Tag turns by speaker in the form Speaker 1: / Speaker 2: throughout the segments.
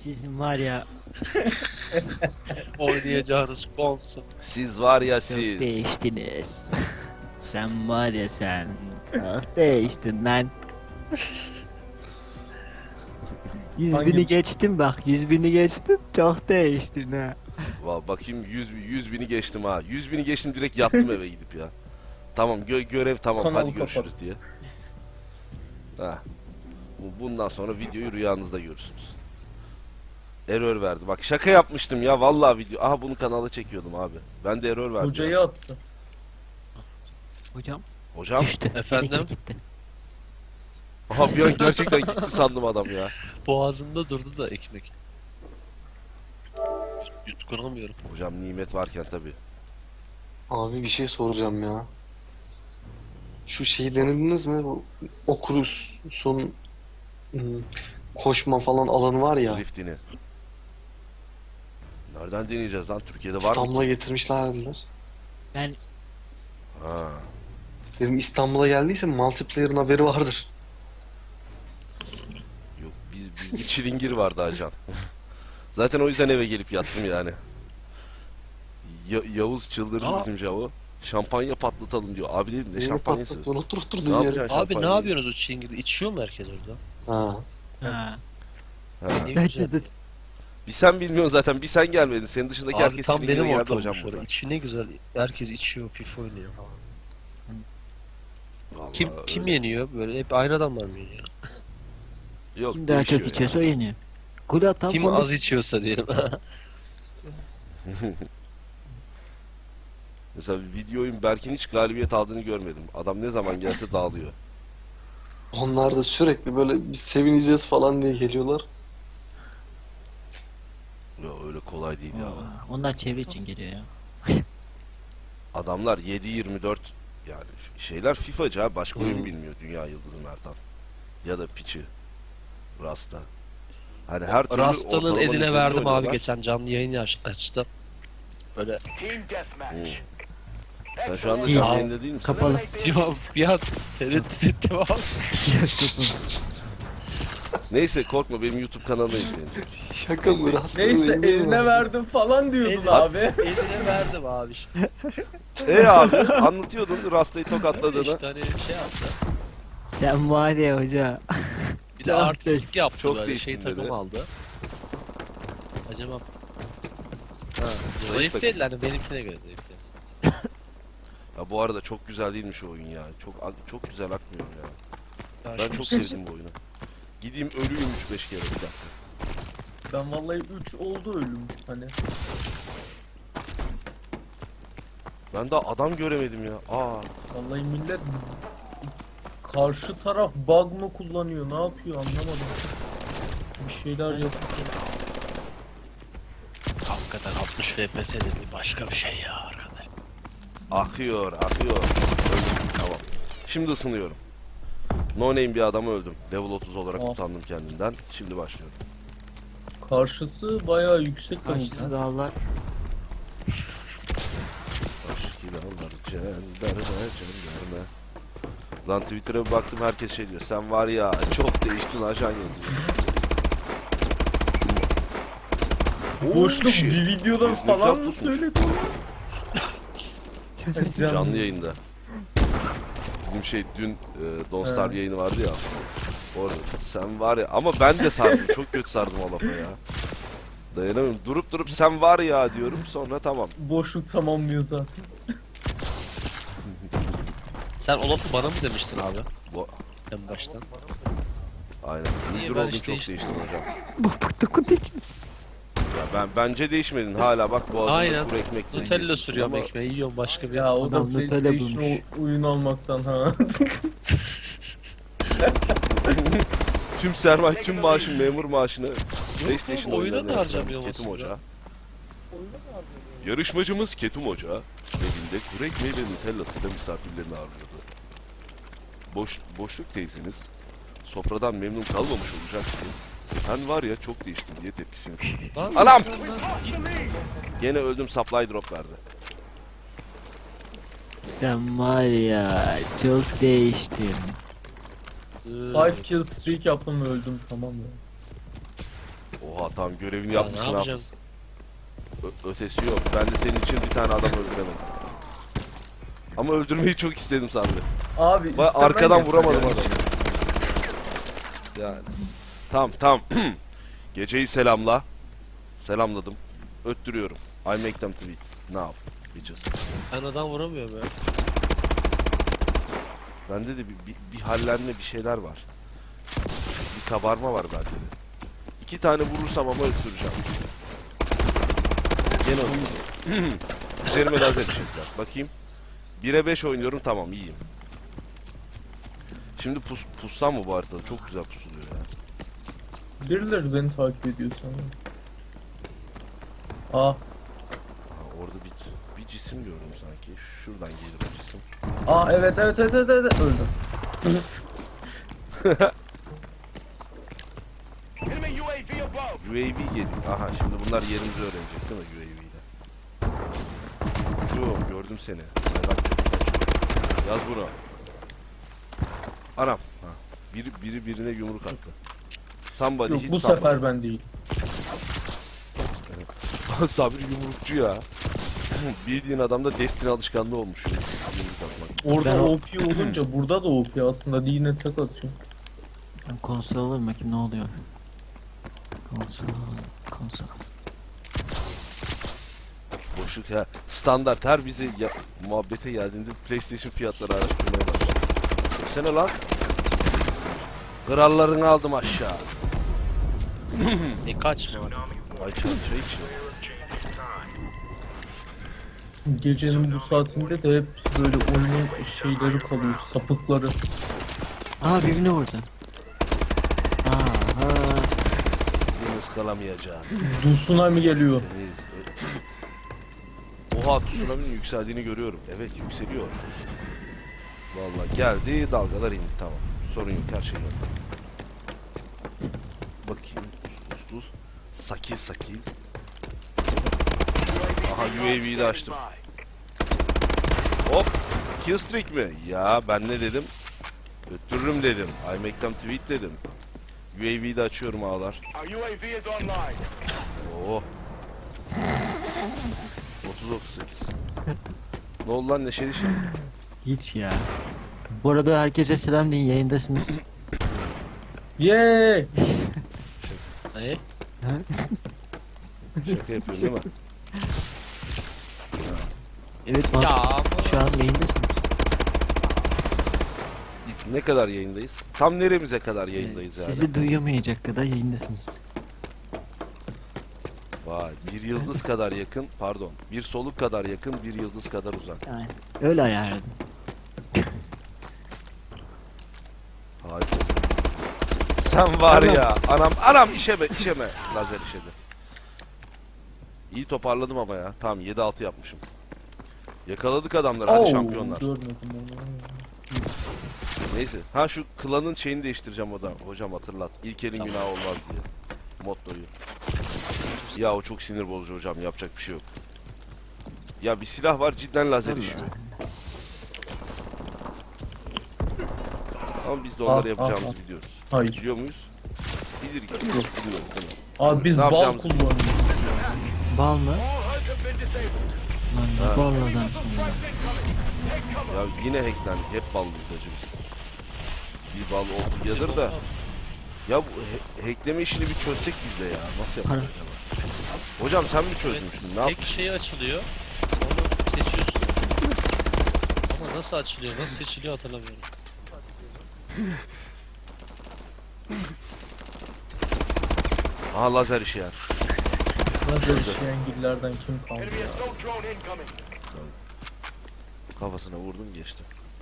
Speaker 1: Sizin var ya
Speaker 2: Oynayacağınız konsol.
Speaker 3: Siz var ya
Speaker 1: çok
Speaker 3: siz.
Speaker 1: değiştiniz. Sen var ya sen çok değiştin lan. 100.000'i geçtim bak, 100.000'i geçtim, çok değiştin ha.
Speaker 3: Bakayım 100 bini geçtim ha. 100 bini geçtim, direkt yattım eve gidip ya. Tamam görev tamam,
Speaker 4: Kanalı
Speaker 3: hadi görüşürüz
Speaker 4: kapat.
Speaker 3: diye. Ha. Bundan sonra videoyu rüyanızda görürsünüz. Error verdi. Bak şaka yapmıştım ya vallahi video. Aha bunu kanala çekiyordum abi. Ben de error verdi.
Speaker 4: Hocayı
Speaker 3: ya.
Speaker 4: attı.
Speaker 1: Hocam
Speaker 3: Hocam.
Speaker 1: düştü.
Speaker 2: Efendim?
Speaker 1: Elektrik gitti.
Speaker 3: Aha bir an gerçekten gitti sandım adam ya.
Speaker 2: Boğazımda durdu da ekmek. Yutkunamıyorum.
Speaker 3: Hocam nimet varken tabi.
Speaker 5: Abi bir şey soracağım ya. Şu şeyi denediniz mi? Bu Oculus'un koşma falan alanı var ya.
Speaker 3: Driftini. Nereden deneyeceğiz lan? Türkiye'de var mı
Speaker 5: İstanbul'a
Speaker 3: ki?
Speaker 5: getirmişler dediler.
Speaker 1: Ben
Speaker 3: Ha.
Speaker 5: Dedim İstanbul'a geldiyse multiplayer'ın haberi vardır.
Speaker 3: Yok bizde çilingir vardı acan. Zaten o yüzden eve gelip yattım yani. Yavuz çıldırdı
Speaker 2: Aa.
Speaker 3: bizim Javo. Şampanya patlatalım diyor. Abi dedim ne
Speaker 5: Yeni
Speaker 3: şampanyası?
Speaker 5: patlattın, otur
Speaker 3: Ne
Speaker 5: yere.
Speaker 3: yapacaksın
Speaker 2: Abi ne
Speaker 3: şampanyayı?
Speaker 2: yapıyorsunuz o çingili? İçiyor mu herkes orada?
Speaker 5: Ha.
Speaker 1: ha.
Speaker 3: Ha.
Speaker 2: Ne
Speaker 1: Herkes
Speaker 2: güzel.
Speaker 1: de
Speaker 3: Bir sen bilmiyorsun zaten. Bir sen gelmedin. Senin dışındaki
Speaker 2: Abi
Speaker 3: herkes
Speaker 2: tam
Speaker 3: çilingire
Speaker 2: benim
Speaker 3: geldi
Speaker 2: ortamım
Speaker 3: hocam
Speaker 2: şöyle.
Speaker 3: burada.
Speaker 2: İçi ne güzel. Herkes içiyor, FIFA oynuyor falan.
Speaker 3: Vallahi
Speaker 2: Kim
Speaker 3: öyle.
Speaker 2: yeniyor? Böyle hep aynı adamlar mı yeniyor?
Speaker 3: Yok,
Speaker 1: kim daha çok
Speaker 3: değişiyor
Speaker 1: içiyorsa o
Speaker 3: ya.
Speaker 1: yeniyor. Gol atan
Speaker 2: Kim
Speaker 1: konu-
Speaker 2: az içiyorsa diyelim.
Speaker 3: Mesela videoyun Berk'in hiç galibiyet aldığını görmedim. Adam ne zaman gelse dağılıyor.
Speaker 5: Onlar da sürekli böyle biz sevineceğiz falan diye geliyorlar.
Speaker 3: Ya öyle kolay değil ya.
Speaker 1: Onlar çevre için geliyor ya.
Speaker 3: Adamlar 7-24 yani şeyler FIFA'cı ha. Başka oyun
Speaker 2: Hmm.
Speaker 3: bilmiyor Dünya Yıldızı Mertan. Ya da Piçi. Rasta. Hani her türlü
Speaker 2: Rasta'nın
Speaker 3: ortalamanın
Speaker 2: eline
Speaker 3: üzerinde
Speaker 2: verdim abi
Speaker 3: oynuyorlar.
Speaker 2: geçen canlı yayın açtı. Böyle
Speaker 3: Sen şu anda
Speaker 1: İyi.
Speaker 3: canlı yayında değil misin?
Speaker 1: Kapalı.
Speaker 2: ya bir an tereddüt ettim abi.
Speaker 3: Neyse korkma, benim YouTube kanalıma yükleyin.
Speaker 5: Şaka mı? Rastlı
Speaker 4: Neyse
Speaker 5: benim
Speaker 4: eline
Speaker 5: var.
Speaker 4: verdim falan diyordun
Speaker 2: Eline-
Speaker 4: abi.
Speaker 2: Eline verdim abi.
Speaker 3: Abi anlatıyordun Rasta'yı tokatladığını.
Speaker 2: İşte hani şey yaptı.
Speaker 1: Sen var ya hoca.
Speaker 2: Bir de
Speaker 1: Çok
Speaker 2: artistlik yaptı
Speaker 3: çok
Speaker 2: böyle.
Speaker 3: değiştin
Speaker 2: Şey takım
Speaker 3: dedi.
Speaker 2: aldı. Acaba
Speaker 3: Ha,
Speaker 2: zayıf
Speaker 3: takım.
Speaker 2: değil hani benimkine göre zayıf değil.
Speaker 3: Ya bu arada çok güzel değilmiş o oyun ya. Çok güzel akmıyor ya.
Speaker 2: Ya
Speaker 3: Ben
Speaker 2: şu-
Speaker 3: çok sevdim bu oyunu. Gideyim ölüyüm 3-5 kere bir dakika.
Speaker 4: Ben vallahi 3 oldu ölüm hani.
Speaker 3: Ben daha adam göremedim ya.
Speaker 4: Vallahi millet karşı taraf bug mı kullanıyor, ne yapıyor anlamadım. Bir şeyler yapıyor.
Speaker 2: Hakikaten 60 FPS dedi başka bir şey ya arkadaş.
Speaker 3: Akıyor. Öldüm. Tamam. Şimdi ısınıyorum. No name bir adamı öldüm. Level 30 olarak
Speaker 4: Oh.
Speaker 3: utandım kendimden. Şimdi başlıyorum.
Speaker 4: Karşısı bayağı yüksek de
Speaker 1: Karşıda dağlar.
Speaker 3: Aşk ilanlar cenderme. Lan Twitter'a bir baktım, herkes şey diyor. Sen var ya çok değiştin ajan yazıyor.
Speaker 4: Boşluk
Speaker 3: shit.
Speaker 4: bir videoda
Speaker 3: Boşluk
Speaker 4: falan mı
Speaker 3: yapmışsın.
Speaker 4: söyledi?
Speaker 3: Canlı yayında. Bizim şey dün Don't Starve
Speaker 4: He.
Speaker 3: yayını vardı ya. Orada sen var ya, ama ben de sardım. Çok kötü sardım o lafa ya. Dayanamıyorum. Durup sen var ya diyorum, sonra tamam.
Speaker 4: Boşluk tamamlıyor zaten.
Speaker 2: Sen o lafı bana mı demiştin abi?
Speaker 3: Bu
Speaker 2: En baştan.
Speaker 3: aynen.
Speaker 2: Niye
Speaker 3: Müdür
Speaker 2: ben
Speaker 3: oldun,
Speaker 2: hiç
Speaker 3: çok
Speaker 2: değiştim?
Speaker 3: değiştin hocam.
Speaker 1: Bu dokun için.
Speaker 3: Ya bence değişmedin. Hala bak boğazında
Speaker 2: Aynen.
Speaker 3: kuru ekmekle
Speaker 2: Nutella
Speaker 3: yiyorsun
Speaker 2: sürüyorum
Speaker 3: ama
Speaker 2: ekmeği yiyorum başka bir
Speaker 4: Ya o da
Speaker 1: Adam Nutella
Speaker 4: PlayStation
Speaker 1: bulmuş.
Speaker 4: oyun almaktan ha.
Speaker 3: tüm sermaye, tüm maaşın, memur maaşını PlayStation
Speaker 2: oyuna
Speaker 3: oyunlarına
Speaker 2: da
Speaker 3: yatıran
Speaker 2: harcamıyor
Speaker 3: Ketum
Speaker 2: aslında.
Speaker 3: Hoca. Yarışmacımız Ketum Hoca evinde kuru ekmeği ve Nutella'sıyla misafirlerini ağırlıyordu. Boşluk teyzeniz sofradan memnun kalmamış olacak ki sen var ya çok değiştin diye tepkisini koydu.
Speaker 2: Lan,
Speaker 3: Anam!
Speaker 2: git.
Speaker 3: Gene öldüm, supply drop verdi.
Speaker 1: Sen var ya çok değiştin.
Speaker 4: 5 kill streak yaptım ve öldüm tamam ya.
Speaker 3: Oha tamam görevini
Speaker 2: Ya,
Speaker 3: yapmışsın
Speaker 2: ne
Speaker 3: Hafız.
Speaker 2: yapacağız?
Speaker 3: Ötesi yok. Ben de senin için bir tane adam öldüremedim. Ama öldürmeyi çok istedim Sabri.
Speaker 4: Abi
Speaker 3: Vay,
Speaker 4: istemen
Speaker 3: arkadan
Speaker 4: yeter
Speaker 3: vuramadım
Speaker 4: yani.
Speaker 3: adamı. Yani. Tamam. Geceyi selamla. Selamladım. Öttürüyorum. I make them tweet. Now. Bitches.
Speaker 2: Ben adam vuramıyorum ya.
Speaker 3: Bende de bir hallenme bir şeyler var. Bir kabarma var bende de. 2 tane vurursam ama öttüreceğim. Gene öttüreceğim. Üzerime lazer çektiler. Bakayım. 1'e 5 oynuyorum tamam iyiyim. Şimdi pussam mı bu haritada? Çok güzel pusuluyor ya.
Speaker 4: Birileri beni takip ediyor sanırım. Ah,
Speaker 3: Aa, orada bir cisim gördüm sanki. Şuradan gelir o cisim.
Speaker 4: evet öldüm.
Speaker 3: UAV geliyor. Aha şimdi bunlar yerimizi öğrenecek değil mi UAV ile? Şu gördüm seni. Ay bak, yaz bunu. Anam. Ha. Biri birine yumruk attı. Somebody
Speaker 4: Yok
Speaker 3: hit
Speaker 4: bu
Speaker 3: somebody.
Speaker 4: sefer ben değil.
Speaker 3: Sabri yumrukçu ya. Bildiğin adamda Destiny alışkanlığı olmuş. Yumruk atmak.
Speaker 4: Orada
Speaker 1: Ben
Speaker 4: OP olunca burada da OP aslında yine tek atıyor.
Speaker 1: Ben konsol alayım bakayım ne oluyor. Konsol.
Speaker 3: Boşluk ya. Standart her bizi muhabbete geldiğinde PlayStation fiyatları araştırmaya başladı. Sene lan. Krallarını aldım aşağı.
Speaker 2: Kaçma.
Speaker 3: Ay çay içiyor.
Speaker 4: Gecenin bu saatinde de hep böyle oyunun şeyleri kalıyor, sapıkları.
Speaker 1: Aa birbirine vurdu.
Speaker 3: Beni ıskalamayacağım.
Speaker 4: Tsunami geliyor.
Speaker 3: Temiz. Oha tsunami'nin yükseldiğini görüyorum. Evet yükseliyor. Vallahi geldi dalgalar indi tamam. Sorun yok her şey yok. Bakayım. Ustul. Sakil. Aha UAV'yi de açtım. Hop. Killstreak mi? Ya ben ne dedim? Öttürürüm dedim. I make them tweet dedim. UAV'yi de açıyorum ağlar. Oo. 30-38. Ne oldu lan neşeli şey?
Speaker 1: Hiç ya. Bu arada herkese selam deyin yayındasınız.
Speaker 4: Yeee!
Speaker 2: Ne?
Speaker 3: Şaka yapıyorum değil mi?
Speaker 1: Evet
Speaker 2: Ya
Speaker 1: şu an yayındasınız.
Speaker 3: Ne kadar yayındayız? Tam neremize kadar yayındayız yani?
Speaker 1: Sizi duyamayacak kadar yayındasınız.
Speaker 3: Vay bir yıldız kadar yakın pardon. Bir soluk kadar yakın bir yıldız kadar uzak.
Speaker 1: Yani öyle ayarladım.
Speaker 3: Harikasın. Sen var ya anam işeme lazer işedi. İyi toparladım ama ya. Tamam 7-6 yapmışım. Yakaladık adamları hadi şampiyonlar.
Speaker 4: Görmedim onu.
Speaker 3: Neyse. Ha şu klanın şeyini değiştireceğim o da. Hocam hatırlat. İlkelin günahı olmaz diye. Mottoyu. Ya o çok sinir bozucu hocam. Yapacak bir şey yok. Ya bir silah var cidden lazer
Speaker 1: Allah.
Speaker 3: işiyor. Ama biz de onları
Speaker 4: Ah,
Speaker 3: yapacağımızı
Speaker 4: ah,
Speaker 3: biliyoruz.
Speaker 4: Hayır.
Speaker 3: Biliyor muyuz? Biliyoruz değil mi?
Speaker 4: Abi biz
Speaker 3: Ne
Speaker 4: bal
Speaker 3: yapacağımızı
Speaker 4: kullanıyoruz.
Speaker 1: Bal mı? Lan ne bal adam.
Speaker 3: Ya yine hacklendik. Hep ballıyız hacı biz. Bir bal oldu yadır da. Ya bu hackleme işini bir çözsek biz de ya. Nasıl yapacağız acaba? Hocam sen mi çözmüştün? Ne
Speaker 2: tek şey açılıyor. Onu seçiyorsun. Ama nasıl açılıyor, nasıl seçiliyor hatırlamıyorum.
Speaker 3: Aha lazer işi yani.
Speaker 4: Lazer işleyen gillerden kim kaldı ya?
Speaker 3: Kafasına vurdum geçti.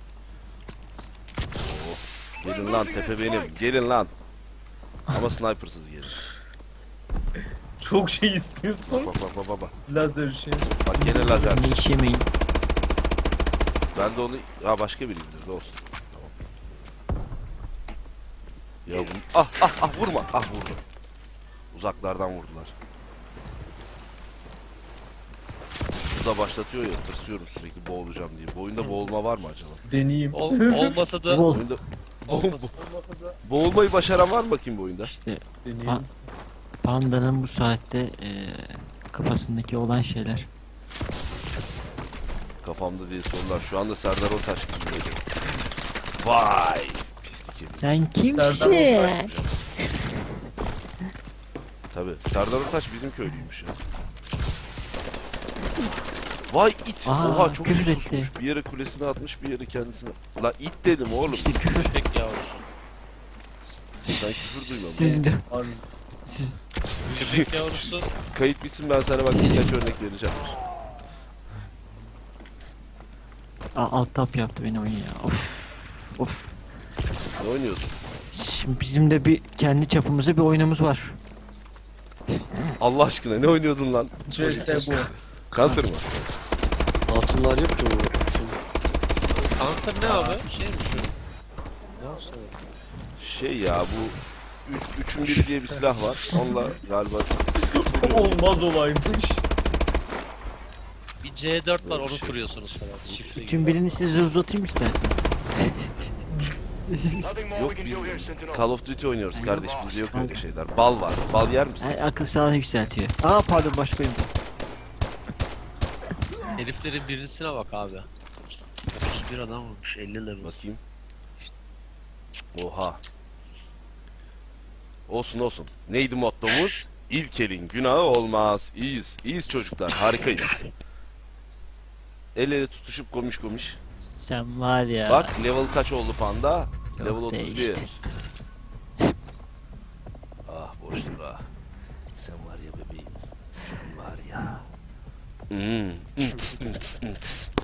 Speaker 3: Oh. Gelin lan tepe benim. Gelin lan. Ama snipersız gelin.
Speaker 4: Çok şey istiyorsun.
Speaker 3: Bak.
Speaker 4: Lazer işi.
Speaker 3: Bak gene lazer.
Speaker 1: Ne iş yemeyin.
Speaker 3: Ben de onu... Ha başka biri indirdi olsun. Tamam. Ya bu... Ah vurma. Ah vurdu. Uzaklardan vurdular. Bu da başlatıyor ya tırsıyorum sürekli boğulacağım diye. Bu oyunda boğulma var mı acaba?
Speaker 4: Deneyeyim.
Speaker 2: Olmasa da
Speaker 1: Bol.
Speaker 3: Oyunda
Speaker 2: olmasa.
Speaker 3: boğulmayı başaran var mı bakayım bu oyunda?
Speaker 1: İşte
Speaker 4: Deneyeyim.
Speaker 1: Panda'nın bu saatte kafasındaki olan şeyler.
Speaker 3: Kafamda değil sorular. Şu anda Serdar Ortaç gibi geliyor. Vay! Pislik herif.
Speaker 1: Sen
Speaker 4: Serdar
Speaker 1: kimsin?
Speaker 3: Tabii. Serdar Ortaç bizim köylüymüş ya. Vay it!
Speaker 1: Aa,
Speaker 3: Oha çok
Speaker 1: küfür
Speaker 3: iyi
Speaker 1: etti.
Speaker 3: kusmuş. Bir yere kulesine atmış, bir yere kendisine. La it dedim oğlum.
Speaker 1: İşte küfür.
Speaker 2: Köpek yavrusu.
Speaker 3: Sen küfür duymadın.
Speaker 1: Siz de.
Speaker 4: Abi,
Speaker 1: Siz.
Speaker 2: Köpek yavrusu.
Speaker 3: Kayıt bitsin ben sana bak birkaç örnek vereceğim.
Speaker 1: Alt tap yaptı beni oyun ya. Of. Of.
Speaker 3: Ne oynuyordun?
Speaker 1: Şimdi bizim de bir kendi çapımızda bir oyunumuz var.
Speaker 3: Allah aşkına ne oynuyordun lan?
Speaker 4: CS bu.
Speaker 3: Counter mı?
Speaker 5: Hatunlar yok ki bu.
Speaker 2: Counter ne abi? Şey mi şu? Ne yapsın?
Speaker 3: Şey ya bu üçün biri diye bir silah var. Onunla galiba
Speaker 4: Olmaz olaymış.
Speaker 2: Bir C4 var
Speaker 3: Böyle bir
Speaker 2: onu
Speaker 3: şey.
Speaker 2: kuruyorsunuz falan. Şifre
Speaker 1: Üçün
Speaker 2: gibi.
Speaker 1: birini size uzatayım istersen.
Speaker 3: yok biz Call of Duty oynuyoruz kardeş bizde yok öyle şeyler. Bal var. Bal yer misin?
Speaker 1: Akıl sağlığı yükseltiyor. Pardon başkayım.
Speaker 2: Heriflerin birincisine bak abi. 31 adam olmuş 50 level.
Speaker 3: Bakayım. Oha. Olsun olsun. Neydi mottomuz? İlkelin günahı olmaz. İyiyiz. İyiyiz çocuklar. Harikayız. El ele tutuşup komiş komiş.
Speaker 1: Sen var ya.
Speaker 3: Bak level kaç oldu panda?
Speaker 1: Yok,
Speaker 3: Level 31.
Speaker 1: değişti.
Speaker 3: Ah boşluk ah. Sen var ya bebeğim. Sen var ya. Hmm. Ints, ints, ints.